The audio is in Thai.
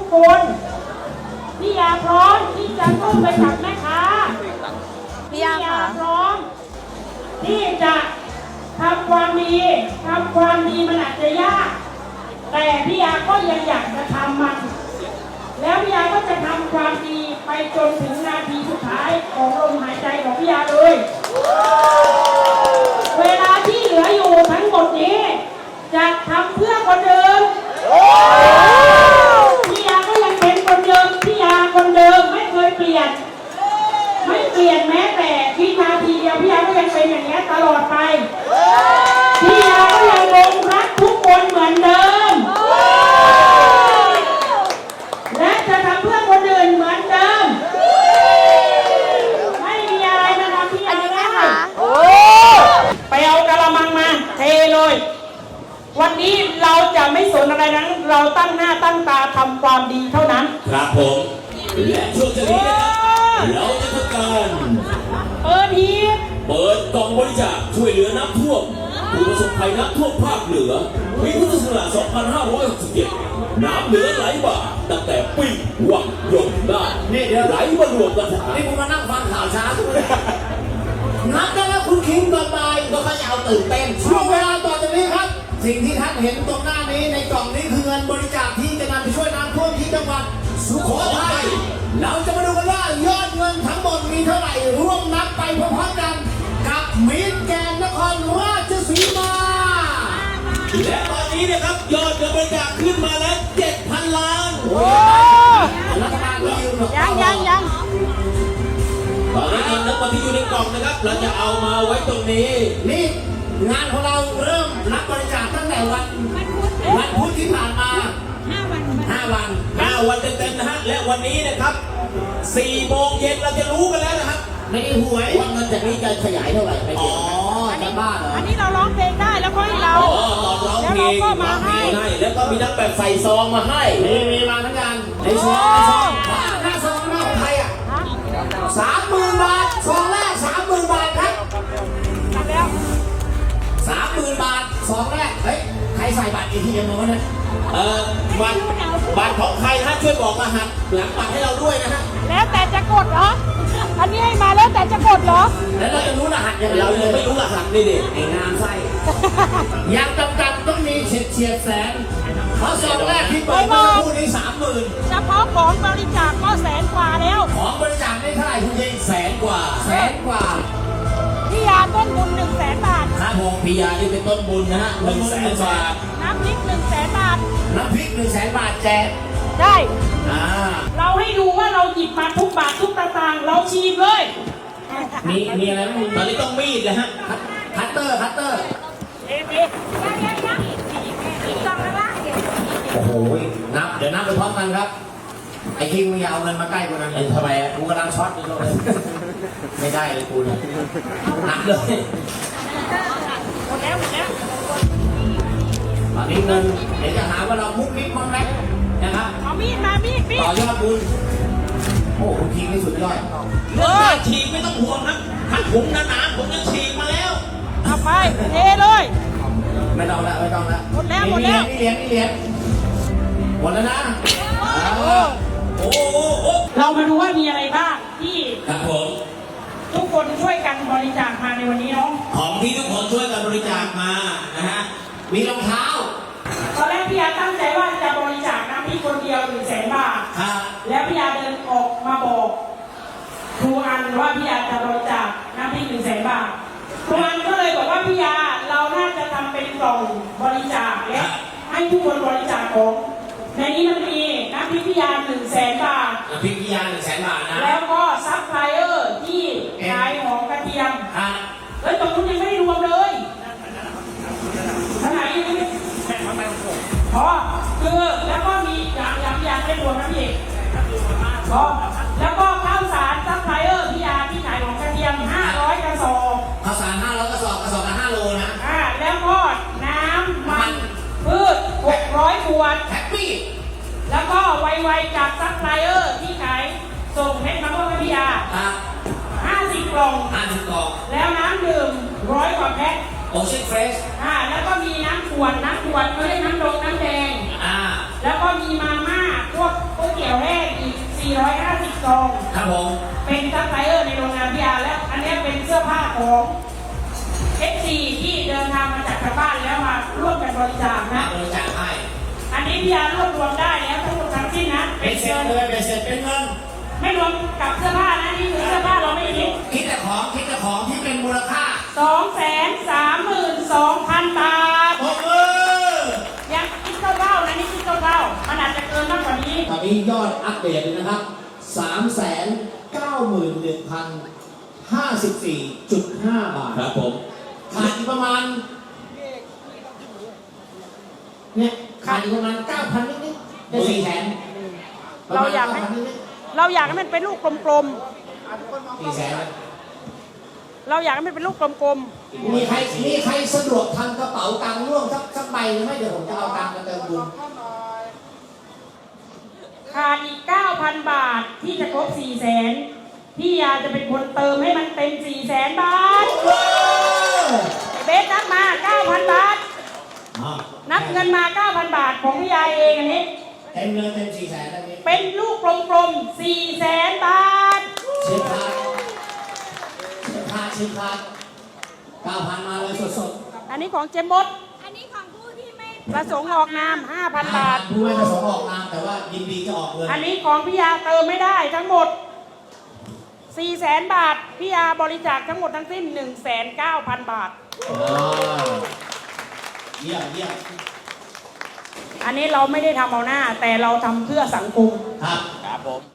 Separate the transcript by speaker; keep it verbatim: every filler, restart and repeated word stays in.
Speaker 1: คนพี่ยาพร้อมที่จะสู้ไปกับแม่ค้า
Speaker 2: พี่ยาค่ะ
Speaker 1: พร้อมที่จะทำความดีทำความดีมันอาจจะยากแต่พี่ยาก็ยังอยากจะทำมันแล้วพี่ยาก็จะทำความดีไปจนถึงนาทีสุดท้ายของลมหายใจของพี่ยาเลยเวลาที่เหลืออยู่ทั้งหมดนี้จะทำเพื่อคนเดิมพี่ยาก็ยังเป็นคนเดิมพี่ยาคนเดิมไม่เคยเปลี่ยนไม่เปลี่ยนแม้แต่วินาทีเดียวพี่ยาก็ยังเป็นอย่างนี้ตลอดไปพี่ยาก็ยังลงรักทุกคนเหมือนเดิมและจะทำเพื่อคนอื่นเหมือนเดิมไม่มีอะไรมาทำพี่ยาได้ไปเอากระมังมาเทเลยวันนี้เราจะไม่สนอะไรนั้นเราตั้งหน้าตั้งตาทำความดีเท่านั้น
Speaker 3: ครับผมและช่วงนี้นะครับเราจะทำการ
Speaker 1: เปิดหีบ
Speaker 3: เปิดกล่องบริจาคช่วยเหลือน้ำท่วมผู้ประสบภัยน้ำท่วมภาคเหนือปีพุทธศักราชสองพันห้าร้อยหกสิบเจ็ดน้ำเหนือไหลบ่าตั้งแต่ปีวังยมได้นี่เดี๋ยวไหลมารวมกัน
Speaker 4: นี่คุณมานั่งฟังข่าวช้าทุกคนนับได้แล้วคุณคิงก่อนไปก็เขาจะเอาตื่นเต้นช่วงเวลาต่อจากนี้ครับสิ่งที่ท่านเห็นตรงหน้านี้ในกล่องนี้คือเงินบริจาคที่จะนำไปช่วยน้ำท่วมที่จังหวัดสุโขทัยเราจะมาดูกันว่ายอดเงินทั้งหมดมีเท่าไหร่ร่วมนับไปพร้อมๆกันกับมิตรแกนนครราชสีมา
Speaker 3: และตอนนี้นะครับยอดเงินบริจาคขึ้นมาแล้วเจ็ดพันล้าน
Speaker 4: โอ้รัฐบาลก็ยืม
Speaker 2: ยังยังยัง
Speaker 3: ตอนนี้เงินทั้งหมดที่อยู่ในกล่องนะครับเราจะเอามาไว้ตรงนี้
Speaker 4: นี่งานของเราเริ่มรับบริจาคตั้งแต่วันวันพุธที่ผ่านมาห้าวัน
Speaker 3: ห้าวันห้าวันเต็มๆนะฮะและวันนี้นะครับสี่โมงเย็นเราจะรู้กันแล้วนะครับ
Speaker 4: ในหวยว่าเงินจากนี้จะขยายเท่าไหร่ไม่เกี่ยวอ๋อจะบ้าเหรอ
Speaker 1: อันนี้เราร้องเพลงได้แล้วก็ให้เรา
Speaker 3: ตอนร้องเพลง
Speaker 1: ก็มาให้
Speaker 3: แล้วก็มีนักแบบใส่ซองมาให้
Speaker 4: มีมีมาทั้งกันในซองในซองหน้าซองหน้าของใครอ่ะสามหมื่นบาทซองแรกสามหมื่นบาทครับ
Speaker 1: แล้ว
Speaker 4: สามหมื่นบาทซองแรกเฮ้ยใครใส่บัตรอีทีเอ็มมาเนี่ย
Speaker 3: เออบัตรบัตรของใครฮะช่วยบอกรหัสหลังบัตรให้เราด้วยนะฮะ
Speaker 1: แล้วแต่จะกดเหรออันนี้ให้มาแล้วแต่จะกดเหรอ
Speaker 4: แล้วเราจะรู้รหัสยังไง
Speaker 3: เราเลยไม่รู้รหัสนี่ดิ
Speaker 4: ไอ้งานไส้ยังจำกัดต้องมีเฉียดเฉียดแสนเพราะซองแรกที่เปิดมาคู่นี้สามหมื่น
Speaker 1: เฉพาะของบริจาคก็แสนกว่าแล้ว
Speaker 4: ของบริจาคได้เท่าไหร่คุณยิง
Speaker 3: แสนกว่า
Speaker 4: แสนกว่า
Speaker 1: พี่ยาต้นบุญหนึ่งแสนบาท
Speaker 3: ครับผมพี่ยาที่เป็นต้นบุญนะฮะหนึ่งแสนบาท
Speaker 1: น้ำพริกหนึ่งแสนบาท
Speaker 4: น้ำพริกหนึ่งแสนบาทแจก
Speaker 1: ได้เราให้ดูว่าเราหยิบมาทุกบาททุกตางค์เราชีมเลย
Speaker 4: มีมีอะไรไหม
Speaker 3: ตอนนี้ต้องมีดนะฮะ
Speaker 4: คัตเตอร์คัตเตอร์โอ้โหนับเดี๋ยวนับไปพร้อมกันครับไอ้คิงมึงอย่าเอาเงินมาใกล้กูนะ
Speaker 3: ทำไม
Speaker 4: กูกำลังช็อตอยู่เลยไม่ได้เลยกูนะนับเลย
Speaker 1: หมดแล้วหมดแล้ว
Speaker 4: ตอนนี้เงินเดี๋ยวจะหาว่าเรามุกมิกมั้งไหมนะครับ
Speaker 1: เอามีดมามีดมีด
Speaker 4: ต่อยอดบุญโอ้คุณคิงนี่สุดยอด
Speaker 3: เรื่องการฉีกไม่ต้องห่วงนะถ้าถุงหนาๆผมจะฉีกมาแล้ว
Speaker 1: เอาไปเทเลย
Speaker 4: ไม่ต้องแล้วไม่ต้องแล้ว
Speaker 1: หมดแล้วหมดแล้ว
Speaker 4: นี่เหรียญนี่เหรียญหมดแล้วนะ
Speaker 3: โอ้โห
Speaker 1: เรามาดูว่ามีอะไรบ้างที่
Speaker 3: ครับผม
Speaker 1: ทุกคนช่วยกันบริจาคมาในวันนี้เนาะ
Speaker 3: ของที่ทุกคนช่วยกันบริจาคมานะฮะ
Speaker 4: มีรองเท้า
Speaker 1: ตอนแรกพี่ยาตั้งใจว่าจะบริจาคน้ำพริกคนเดียวหนึ่งแสนบาทแล้วพี่ยาเดินออกมาบอกครูอันว่าพี่ยาจะบริจาคน้ำพริกหนึ่งแสนบาทครูอันก็เลยบอกว่าพี่ยาเราน่าจะทำเป็นกล่องบริจาคและให้ทุกคนบริจาคของในนี้มันมีน้ำพริกพี่ยาหนึ่งแสนบาท
Speaker 4: น้ำพริกพี่ยาหนึ่งแสนบาทนะ
Speaker 1: แล้วก็ซัพพลายเออร์ที่ขายหอมกระเทียมแล้วตรงนู้นยังไม่ได้รวมเลยขนาดนี้ไม่พอคือแล้วก็มีอย่างอย่างอย่างไม่รวมนะพี่พอแล้วก็ข้าวสารซัพพลายเออร์พี่ยาที่ขายของกระเทียมห้าร้อยกระสอบ
Speaker 4: ข้าวสารห้าร้อยกระสอบกระสอบละห้าโลนะ
Speaker 1: อ่าแล้วก็น้ำมันพืชหกร้อยขวด
Speaker 4: แฮปปี้
Speaker 1: แล้วก็ไวๆจากซัพพลายเออร์ที่ขายส่งเม็ดมะม่วงพี่ยาห้าสิบกล่อง
Speaker 4: ห้าสิบกล่อง
Speaker 1: แล้วน้ำดื่มร้อยกว่าแพ็ค
Speaker 4: โอเชียนเฟรช
Speaker 1: อ่าแล้วก็มีน้ำขวดน้ำขวดไม่ได้น้ำดงน้ำแดง
Speaker 4: อ่า
Speaker 1: แล้วก็มีมาม่าพวกต้ซอง
Speaker 4: ครับผม
Speaker 1: เป็นซัพพลายเออร์ในโรงงานพิยาแล้วอันนี้เป็นเสื้อผ้าของเอฟซีที่เดินทางมาจากทางบ้านแล้วมาร่วมกันบริจาคนะ
Speaker 4: บริจาคให้
Speaker 1: อันนี้พิยารวบรวมได้แล้วทั้งหมดทั้งสิ้นนะ
Speaker 4: เป็
Speaker 1: เป็น น
Speaker 4: เสร็จ
Speaker 1: เงิน
Speaker 4: เลยเป็นเสร็จเป็นเงิน
Speaker 1: ไม่รวมกับเสื้อผ้านะนี่คือเสื้อผ้าเราไม่คิด
Speaker 4: คิดแต่ของคิดแต่ของที่เป็นมูลค่า
Speaker 1: สองแสนสามหมื่นสองพันบาท
Speaker 4: ปรบมือ
Speaker 1: ยังคิดเท่าๆนะนี่คิดเท่าๆมันอาจจะเกินมากกว่านี้
Speaker 4: ตอนนี้ยอดอัปเดตเลยนะครับ สามแสนเก้าหมื่นหนึ่งพันห้าสิบสี่จุดห้า บาท
Speaker 3: ครับผม
Speaker 4: ขาดอีกประมาณ เนี่ย ขาดอีกประมาณเก้าพันนิดๆได้สี่แสน
Speaker 2: เราอยากให้ เราอยากให้มันเป็นลูกกลม
Speaker 4: สี่แสน
Speaker 2: ๆ เราอยากให้มันเป็นลูกกลม
Speaker 4: มีใครมีใครสะดวกทำกระเป๋าตังค์ร่วมสักสักใบหรือไม่เดี๋ยวผมจะเอาตังค์มาเติมบุญ
Speaker 1: ขาดอีก เก้าพัน บาทที่จะครบ สี่แสนพี่ยาจะเป็นคนเติมให้มันเต็ม สี่แสน บาท เบสนับมา เก้าพัน บาท นับเงินมา เก้าพัน บาทของพี่ยาเองอันนี้
Speaker 4: เต็มเลยเต็มสี่แสนอันนี้
Speaker 1: เป็นลูกกลมๆ สี่แสน บาท
Speaker 4: เช็คคาร์ดเช็คคาร์ดเช็คคาร์ดเก้าพันมาเลยสด
Speaker 2: ๆ อันนี้ของเจมบด
Speaker 5: อันนี้ของผู้ที่ไม่
Speaker 2: ประสงค์ออกนาม ห้า
Speaker 4: ๆ
Speaker 2: พัน บาท
Speaker 4: ผู้ไม่ประสงค์ออกนามแต่ว่ายินดีจะออกเงิน
Speaker 1: อันนี้ของพี่ยาเติมไม่ได้ทั้งหมด สี่แสน บาท พี่ยาบริจาคทั้งหมดทั้งสิ้น หนึ่งแสนเก้าพัน บาท
Speaker 4: อ่าเยี่ยมเยี่ยม
Speaker 1: อันนี้เราไม่ได้ทำเอาหน้า แต่เราทำเพื่อสังคม
Speaker 4: ครับ
Speaker 3: ครับผม